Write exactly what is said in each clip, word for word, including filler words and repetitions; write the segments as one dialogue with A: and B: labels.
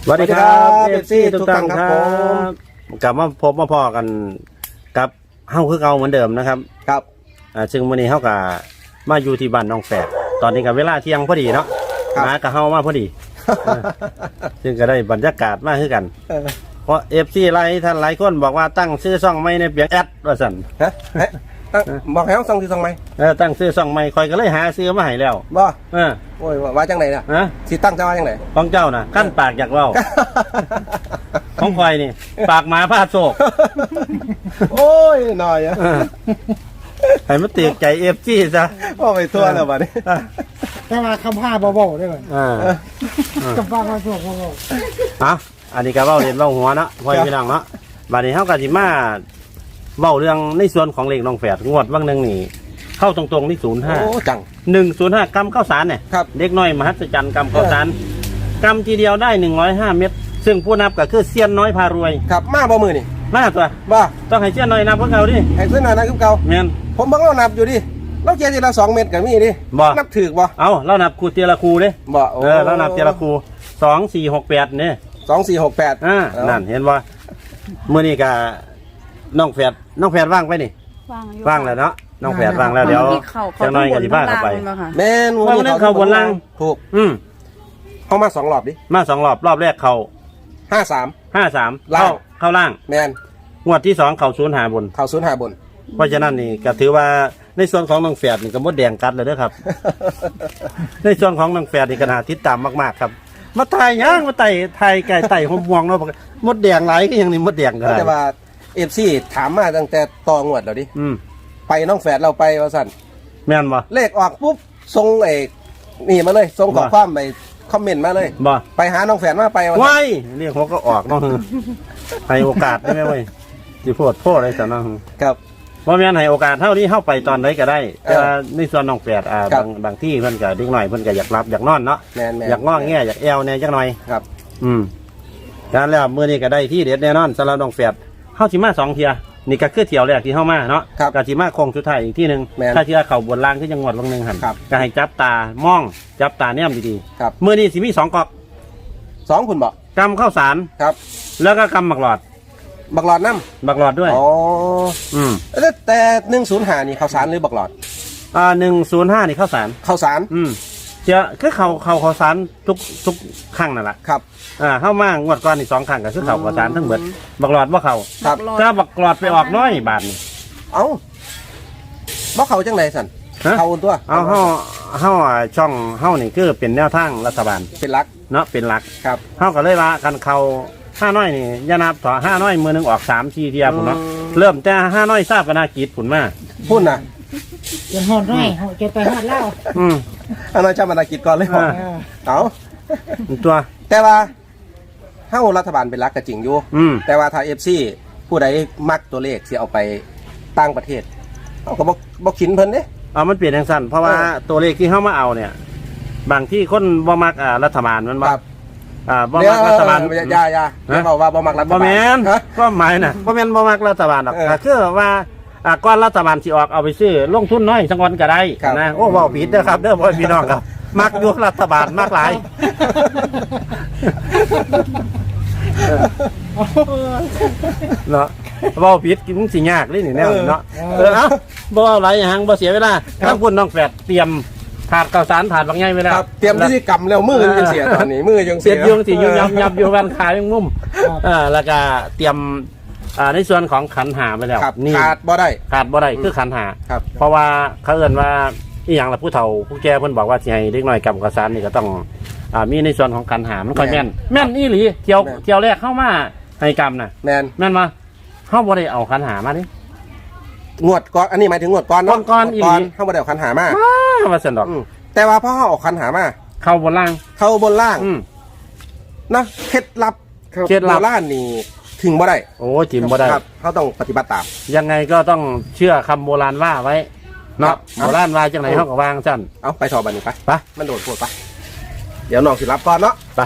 A: สวัสดีครับเอฟซีทุกท่านครับกลับมาพบมาพอกันกับเฮาคือเก่าเหมือนเดิมนะครับ
B: ครับ
A: อ่าซึ่งวันนี้เฮากับมาอยู่ที่บ้านน้องแฝดตอนนี้กับเวลาเที่ยงพอดีเนาะมากับเฮามาพอดีซึ่งก็ได้บรรยากาศมากขึ้นกันเพราะเอฟซีหลายท่านหลายคนบอกว่าตั้งชื่อช่องไม่ในเปียงแอดว่าสั่น
B: ฮะบอกให้เขาส่งที่ส่งไหม
A: เออตั้งชื่อช่องไม่คอยก็เลยหาซื้อมาให้แล้ว
B: บ่
A: เออ
B: โอ้ยว่าจังไหนน่ะฮะสิตั้งจะว่าจังไหน
A: ของเจ้าน่ะขั้นปากอยากเล่าของคอยนี่ปากหมาผ้าโศก
B: โอ้ยหน่อยอะ
A: ให้มันตีใจเอฟซีซะ
B: ว่าไปทั่วแล้วบัดนี้
C: แต่ว่าคำผ้าเบาๆได้ไหมอ่าคำผ้าผ้าโศกเบา
A: ๆอ่ะอันนี้ก็เบ้าเรียนเบ้าหัวเนาะพ่อพี่น้องเนาะบัดนี้เฮาก็สิมาเบ้าเรื่องในส่วนของเลขน้องแฝดงวดวันหนึ่งนี่เข้าตรงๆที่ศูนย์ห้า
B: โอ้จัง
A: หนึ่งศูนย์ห้ากรัมข้าวสารเนี่ยเด็กน้อยมหัศจรรย์กรัมข้าวสารกรัมทีเดียวได้หนึ่งร้อยห้าเม็ดซึ่งผู้นับก็คือเซียนน้อยพารวย
B: ครับมาบ่มือนี่
A: มาตัว
B: บ่
A: ต้องให้เซียนน้อยนับพวกเขาดิ
B: ให้เซียนน้อยนับพวกเขา
A: แม่น
B: ผมเบิ่งเรานับอยู่ดิเราเกียร์ทีละสองเม็ดกันมีดินับถือบ่
A: เอาเรานับคูเตียละคูดิ
B: บ่
A: เออเรานับเตียละคูสองสี่หกแปดเนี่ย
B: สองสี่หกแปด
A: อ่านั่นเห็นว่ามื้อนี้ก็น้องแฝดน้องแฝดว่างไปนี่ว่างแล้วเนาะน้องแฝดว่างแล้วเดี๋ยวเจ้าน้อยก็สิพาเข้าไป
B: แม่น
A: ว่าเรื่องเขาบนล่าง
B: ถูก
A: อืม
B: เข้ามาสองรอบดิ
A: มาสองรอบรอบแรกเขา
B: ห้าสาม
A: ห้าสามเข้าเข้าล่าง
B: แม่น
A: งวดที่สองเขาศูนย์หาบน
B: เขาศูนย์หาบน
A: เพราะฉะนั้นนี่ก็ถือว่าในส่วนของน้องแฝดนี่ก็มดแดงกัดเลยเด้อครับในส่วนของน้องแฝดนี่ก็น่าติดตามมากๆครับมาไต่ย่างมาไต่ไต่ไก่ไต่หอมม่วงเนาะมดแดงไหลก็ยังนี่มดแดงกัน
B: แต่ว่าเอฟซีถามมาตั้งแต่ต่องวดแล้วดิไปน้องแฝดเราไปว่าสั่น
A: แม่นบ่
B: เลขออกปุ๊บส่งไอ้นี่มาเลยส่งข้อความไปคอมเมนต์มาเลย
A: บ่
B: ไปหาน้องแฝดมาไป
A: ว่าไว้เรียกเขาก็ออกเนาะให้โอกาสได้ไหมเว้ยสิโพดโพดอะไรสันนาะ
B: ครับ
A: ว่าแม่นให้โอกาสเท่านี้เข้าไปตอนไหนก็ได้แต่ในส่วนน้องแฝดอ่าบางบางที่เพิ่นก็เด็กหน่อยเพิ่นก็อยากรับอยากนอนเนาะอยากง้อแง่อยากแอวแน่จักหน่อย
B: ครับ
A: อืมการแล้วมื้อนี้ก็ได้ที่เด็ดแน่นอนสำหรับน้องแฝดเฮาสิมาสองเที่ยนี่ก็คือเที่ยวแรกที่เข้ามาเนาะกะสิมาโค้งสุดท้ายอีกที่หนึ่งถ้าเที่ยวเข่าบนล่างที่จังหวัดวังหนึ่งหันก็ให้จับตามองจับตาแนมดีๆเมื่อนี้สิมีสองกอก
B: สองคุณบอก
A: กำข้าวสาร
B: ครับ
A: แล้วก็กำหมักหลอด
B: บักหลอดน้
A: ำบักหลอดด้วย
B: อ๋ออืมแต่หนึ่งศูนย์ห้านี่ข้าวสารหรือบักหลอด
A: อ่าหนึ่งศูนย์ห้านี่ข้าวสาร
B: ข้าวสาร
A: อืมเจ้าคือเขาเขาข้าวสารทุกทุกครั้งนั่นแหละ
B: ครับ
A: อ่าเข้ามางวดก่อนอีกสองครั้งก็คือเขาข้าวสารทั้งหมดบักหลอดว่าเขา
B: ครับ
A: ถ้าบักหลอดไปออกน้อยบาทนี่
B: เอ้าบ่เขาจังไรสันเขาตัว
A: เอาเฮาเฮาช่องเฮานี่คือเป็นแนวทางรัฐบาล
B: เป็นหลัก
A: เนาะเป็นหลัก
B: ครับ
A: เฮาก็เลยว่ากันเขาห้าน้อยนี่ยานับต่อห้าน้อยมือหนึ่งออกสามทีเทียผมเนาะเริ่มแต่ห้าน้อยทราบปนากิจผุนมา
B: พูดนะ
C: จะหอดน้อยจะไปหอดเล่า
A: อืม
B: ห้าน้อยชาปนากิจก่อนเลยบอกเอา
A: ตัว
B: แต่ว่าเฮ้ารัฐบาลเป็นหลักก็จริงอยู่แต่ว่าถ้าเอฟซีผู้ใดมักตัวเลขที่เอาไปต่างประเทศเขาก็บอกบอกขินเพิ่นเด้
A: เอามันเปลี่ยนทางสั้นเพราะว่าตัวเลขที่เข้ามาเอาเนี่ยบางที่คนบ่มักอ่ารัฐบาลมันว่าอ่าบ่มักรัฐบาล
B: ยาอยาเขาว่าบ่มักรัฐบาล
A: บ่แม่นก็หมายน่ะบ่แม่นบ่มักรัฐบาลหรอกคือว่าอ่าก้อนรัฐบาลสิออกเอาไปซื้อลงทุนน้อยสักวันก็ได้นะโอ้เว้าผิดเด้อครับเด้อพ่อพี่น้องครับมักอยู่รัฐบาลมักหลายเนาะเว้าผิดกินสิยากเลยนี่แนวเนาะเออเอ้าบ่เอาหลายอย่างบ่เสียเวลาทั้งคุณน้องแฝดเตรียมถาดข้าวสารถาดบางใหญ่ไปแล้ว
B: เตรียมที่กำแล้วมือยังเสียตอนนี้มือยัง
A: เสียยุ่งสิยุ่งยับยับอยู่แวนขายังงุ่มอ่าแล้วก็เตรียมอ่าในส่วนของขันหาไปแล้ว
B: นี่ขาดบ่ได้
A: ขาดบ่ได้คือขันหาเพราะว่าเขาเอ่นว่าอีหยังละผู้เฒ่าผู้แก่เพิ่นบอกว่าสิให้เด็กน้อยกำข้าวสารนี่ก็ต้องอ่ามีในส่วนของขันหามันค่อยแม่นแม่นอีหลีเที่ยวเที่ยวแรกเข้ามาให้กำน่ะ
B: แม่น
A: แม่นมาเฮาบ่ได้เอาขันหามาดิ
B: งวดก่อนอันนี้หมายถึงงวดก่อนเนาะ
A: ก่อนอีหลี
B: เฮาบ่ได้เอาขันหามา
A: ว่าซั่นดอก
B: แต่ว่าพอเขาออกคันหามา
A: เข้าบนล่าง
B: เข้าบนล่างนะเคล็ดลับ
A: เคล็ดลับ
B: ล่างนี่ถึงบ่ได้
A: โอ้จิมบ่ได้
B: เขาต้องปฏิบัติตาม
A: ยังไงก็ต้องเชื่อคำโบราณว่าไว้เนาะโบราณว่าจังไหนเขาก็วางจัน
B: เอาไปสอบบันนี้ไป
A: ไป
B: มันโดดปวดไปเดี๋ยวน้องสิรับก่อนเนาะ
A: ไป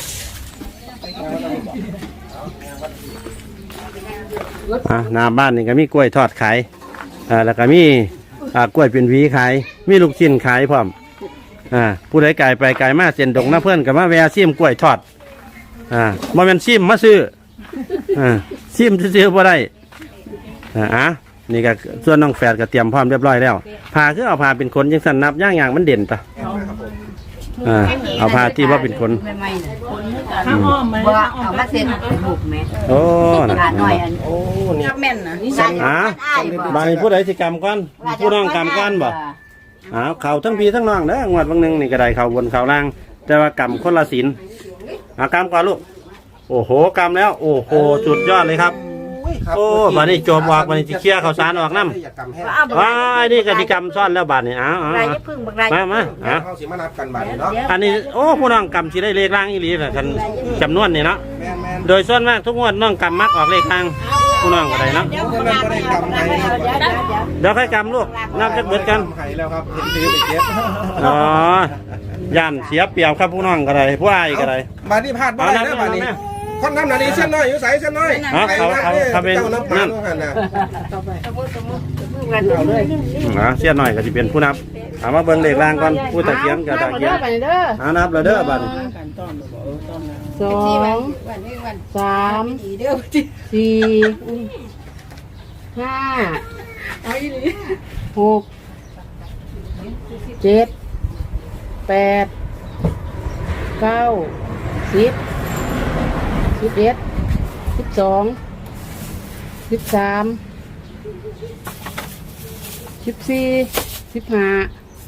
A: อ่ะหน้าบ้านนี่ก็มีกล้วยทอดขายอ่าแล้วก็มีอ่ากล้วยเป็นหวีขายมีลูกชิ้นขายพร้อมอ่าผู้ใดไก่ไปไก่มาเส้นดงน้าเพื่อนกับมาแวะซิมกล้วยทอดอ่าบ่แม่นซิมมาซื้ออ่าซิมซื้อๆบ่ได้อ่าอ่ะนี่ก็ส่วนน้องแฝดก็เตรียมพร้อมเรียบร้อยแล้วผ้าคือเอาผ้าเป็นขนจังซั่นนับย่างๆมันเด่นปะอ่าเอาผ้าที่ว่าเป็นขน
D: ข้าวอ้อมมาว่าเอามาเซ็นบุกแม่
A: โอ้น่ะ
D: หน่อยอัน
B: โอ้นี่
D: แม่นนะนี่
A: อ่าบางผู้ใดสิกรรมก่อนผู้น้องกรรมก่อนบ่อ้าวเขาทั้งพี่ทั้งน้องเด้องวดบางหนึงนี่ก็ได้เขาบนเขาล่างแต่ว่ากรรมคนละศีลอ่ากรรมก่อนลูกโอ้โหกรรมแล้วโอ้โหสุดยอดเลยครับโอ้บัดนี้โจมออกบัดนี้สิเคลียร์ข้าวสารออกน้ำว้ายนี่กติกรรมซ่อนแล้วบัดนี้อ้าว
D: ไรจะพึ่งบักไร
A: มามาอ่ะ
B: เขาสิมานับกันบัดนี้เนาะ
A: อันนี้โอ้ผู้น้องกรรมสิได้เลขล่างอีหลีแหละกันจำนวนนี่เนาะ
B: แม่นแม่น
A: โดยส่วนมากทุกงวดน้องกำมักออกเลขทางผู้น้องก็ได้เนาะ
B: เดี๋ยวมันก็ได้กำไรครับ
A: เดี๋ยวค่อยกำลูกนับจักเบิดกัน
B: ไห้แล้วครับเห็นซื้อไปเก็บ
A: อ๋อย่านเสียเปรียบครับผู้น้องก็ได้ผู้อ้ายก็ได้
B: บัดนี้พลาดบ่ได้นะบัดนี้คนน้ำหนาดีเส้นน้อยอยู่ใส่เส้นน้อย
A: เอาเขาเขาเขาเป็น
B: เจ้าน้ำปลา
A: นั่น
B: เท่านั้นนะ
A: อ่าเสียหน่อยก็จะเป็นผู้นับเอามาเบิ่งเลขล่างก่อนผู้ตะเกียงกับตะเกียงเอานับแล้วเด้อบัด
D: สองสามสี่ห้าหกเจ็ดแปดเก้าสิบสิบเอ็ดสิบสองสิบสามสิบสี่สิบห้า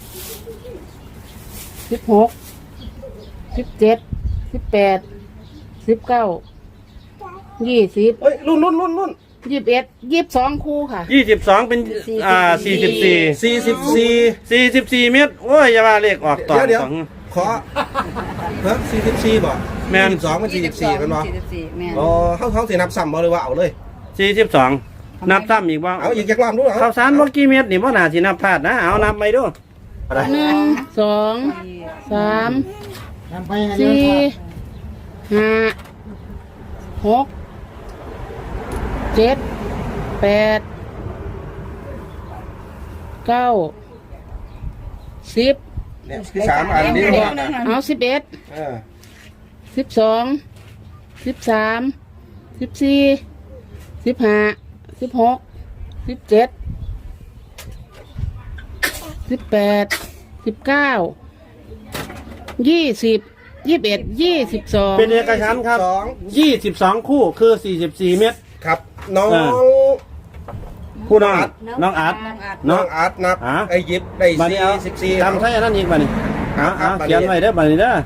D: สิบหกสิบเจ็ดสิบแปดสิบเก้ายี่สิบ
B: เฮ้ยรุ่นรุ่นรุ่นรุ่น
D: ยี่สิบเอ็ดยี่สิบสองคู่ค่ะ
A: ยี่สิบสองเป็นอ่าสี่สิบสี่
B: สี่สิบสี่
A: สี่สิบสี่เมตรโอ้ยอย่าว่าเลขออกต่อ
B: เดี๋ยวเดี๋ยว
A: สอง
B: ขอเฮ้ยสี่สิบสี่บ่
A: แม่น
B: สองเป็นสี่สิบสี่เป็นบ่
D: สี่สิบสี่แม่น
B: อ๋อเขาเขาสินับซ้ำบ่เลยว่าเอาเลย
A: สี่สิบสองนับซ้ำอีกว่า
B: เอาอีกจักรอบดูเหรอ
A: ข้าวสารบ่กี่เม็ดนี่บ่น่าสินับพลาดนะเอานับไปดู
D: หนึ่งสองสาม
C: นำไปให้เร็ว
D: สี่
C: ครับ
D: ห้าหกเจ็ดแปดเก้าสิบ
B: เนี่ยสามอันนี้บ่
D: เอาสิบเอ็ด
B: เออ
D: สิบสองสิบสามสิบสี่สิบห้าสิบหกสิบเจ็ดสิบแปดสิบเก้ายี่สิบยี่สิบเอ็ดยี่สิบสอง
A: เป็นเอกฉันท์ครับ
B: สอง
A: ยี่สิบสองคู่คือสี่สิบสี่เม็ด
B: ครับน้อง
A: อ่า คู่น้องน้องอาร์ต
B: น้
A: น้
B: อ
A: อง
B: งอาร์ตนับ
A: อ่ะ
B: ไอ้ยิบได้
A: บัดนี้เอา
B: สี่สิบสี่
A: จำใช่อันนั้นอีกบัดนี้
B: ครั
A: เอา
B: บ
A: เอา
B: บัดนี้
A: เขียนไว้เด้อบัดนี้เด้อ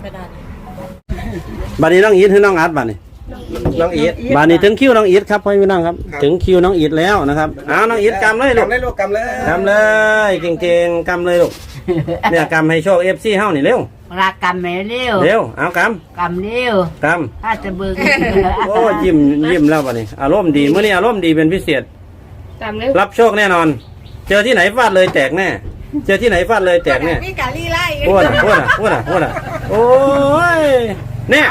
A: บัดนี้น้องอีทคือน้องอาร์ตบัดนี้
B: น้องอีท
A: บัดนี้ถึงคิวน้องอีทครับพ่อพี่น้องครับ
B: ครับ
A: ถึงคิวน้องอีทแล้วนะครับเอาน้องอีทกำเลยลูก
B: กำเลยลูกกำเลย
A: กำเลยเก่งๆกำเลยลูกเนี่ยกำให้โชคเอฟซีเฮานี่เร็ว
D: รักกำแม่เร็ว
A: เร็วเอาก
D: กำเร็ว
A: ำก
D: ถ้าจะเบิ่ง
A: ำโอ้ยิ้มยิ้มแล้วบัดนี้อารมณ์ดีเมื่อนี้อารมณ์ดีเป็นพิเศษ
D: กำเร็ว
A: รับโชคแน่นอน เจอที่ไหนฟาดเลยแตกแน่ เจอที่ไหนฟาดเลยแตกแน่
D: มีกะลีไล่
A: พูดอ่ะพูดอ่ะพูดอ่ะพูดอ่ะโอ้ยเนี่ย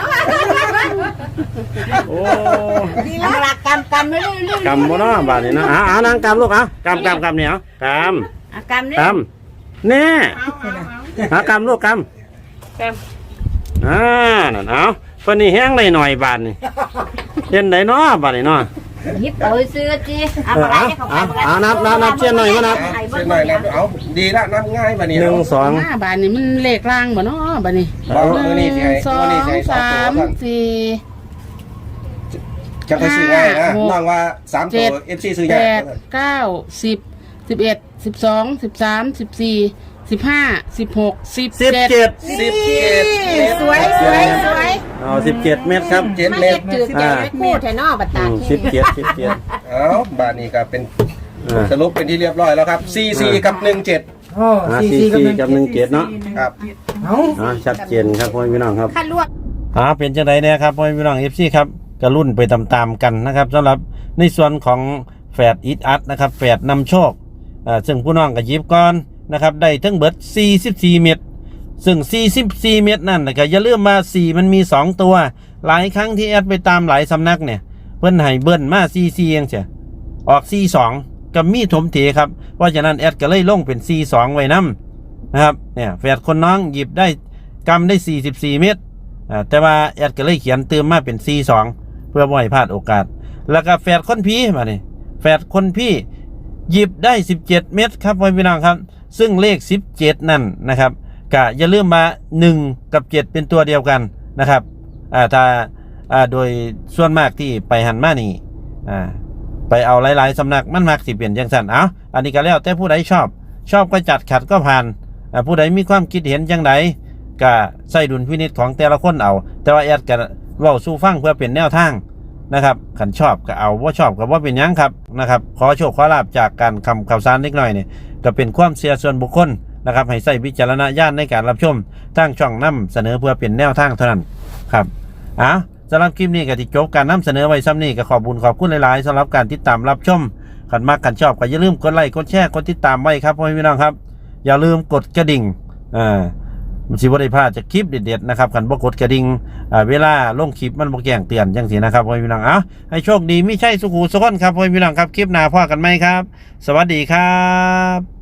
A: โอ้
D: รักกำกำเร็วเร็ว
A: กำบ่เนาะบาดนี้เนาะเอาเอานางกำลูกเอากำกำกำเนี่ยเอาก
D: กำเร็
A: ำ
D: ว
A: กำแน่เอากำลูกกำ
D: ก
A: อ่านั่นเอาเพิ่นนี่แห้งได้หน่อยบาดนี่เห็นได้เนาะบาดนี่เนาะ
D: ำยิบเอาซื้อจีเอา
A: เออ
D: อะไร
A: เอา
D: ให้เขา
A: เอาเอานับนับนับเชียนหน่อยมานับ
B: เส้นหน่อยนับเอาดีละนับง่ายบัดนี้
A: หนึ่งสอง
D: หน้าบานนี่มันเลขล่างบ่เนาะบานนี่
B: บอก
D: ห
B: มือนี่สิ
D: นึ่
B: ให้
D: งสอ
B: มือนี่
D: ง
B: สิให้สอง
D: สา
B: ตัว
D: ม
B: ก่อน
D: สี่
B: จะไปซื้อง่ายนะ
D: ห้าหก
B: น้องว่าสามตั
D: เจ็
B: ว
D: ด
B: เอฟซีซื้อ
D: แป
B: ยาก
D: ดเก้าสิบสิบเอ็ดสิบสองสิบสามสิบสี่สิบห้าสิบหกสิบ
A: สิบ
D: เจ็ด
A: เจ็ด
B: สิบเจ็ด
D: สวยสวยสวย
A: เอาสิบเจ็ดเมตรครับ
B: เจ็ดเมตร
D: จืดเจ็ดเม็ดพูดแทนนอบัตตา
A: สิบเจ็ดสิบเจ็ด
B: เอาบาทนี้ก็เป็น
A: อ่า
B: สรุปเป็นที่เรียบร้อยแล้วครับซีซีกับหนึ่งเจ็ด
C: โอ้
A: อ่า
C: สี่
A: สี่
C: สี่
A: สี่กับหนึ่งเจ็ดเนาะ
B: ครับ
C: เอา
A: อ่าชัดเจนครับพ่อพี่น้องครับ
D: ขั้นลวด
A: อ่าเป็นจังไดเนี่ยครับพ่อพี่น้องเอฟซีครับก็รุ่นไปตามๆกันนะครับสำหรับในส่วนของแฝดอิทอัดนะครับแฝดนำโชคอ่าซึ่งผู้น้องก็หยิบก่อนนะครับได้ทั้งเบิดสี่สิบสี่เม็ดซึ่งสี่สิบสี่เม็ดนั่นก็อย่าลืมมาสี่มันมีสองตัวหลายครั้งที่แอดไปตามหลายสำนักเนี่ยเพิ่นให้เบิ้ลมาสี่สี่เองเสียออกสี่สองก็มีถมเถครับเพราะฉะนั้นแอดก็เลยลงเป็นสี่สองไว้นํนะครับเนี่ยแฝดคนน้องหยิบได้กำได้สี่สิบสี่เม็ดอ่าแต่ว่าแอดก็เลยเขียนเติมมาเป็นสี่สองเพื่อบ่ให้พลาดโอกาสแล้วก็แฝดคนพี่มานี่แฝดคนพี่หยิบได้สิบเจ็ดเม็ดครับพ่อพี่น้องครับซึ่งเลขสิบเจ็ดนั่นนะครับก็อย่าลืมมาหนึ่งกับเจ็ดเป็นตัวเดียวกันนะครับอ่าถ้าอ่าโดยส่วนมากที่ไปหันมานี่อ่าไปเอาหลายๆสำนักมันมักสิเปลี่ยนจังซั่นเอาอันนี้ก็แล้วแต่ผู้ใดชอบชอบก็จัดขัดก็ผ่านอ่าผู้ใดมีความคิดเห็นจังไดก็ใส่ดุลพินิจของแต่ละคนเอาแต่ว่าแอดก็เว้าสู่ฟังเพื่อเป็นแนวทางนะครับขันชอบก็เอาว่าชอบก็ว่าเป็นยังครับนะครับขอโชคขอลาบจากการคำข่าวสารเล็กน้อยเนี่ยก็เป็นความเชื่อส่วนบุคคลนะครับให้ใส่วิจารณญาณในการรับชมทางช่องนำเสนอเพื่อเป็นแนวทางเท่านั้นครับอ่ะสำหรับคลิปนี้ก็ที่จบการนำเสนอไว้ซ้ำนี้ก็ขอบคุญขอบคุณหลายๆสำหรับการติดตามรับชมขันมากขันชอบก็อย่าลืมกดไลค์กดแชร์กดติดตามไว้ครับพ่อพี่น้องครับอย่าลืมกดกระดิ่งอ่ามันสิบ่ได้พลาดจากคลิปเด็ดๆนะครับขันบ่กดกระดิ่งอ่าเวลาลงคลิปมันบ่แจ้งเตือนจังซี่นะครับพ่อพี่น้องเอ้าให้โชคดีมิใช่สุขุสุขนครับพ่อพี่น้องครับคลิปหน้าพบกันใหม่ครับสวัสดีครับ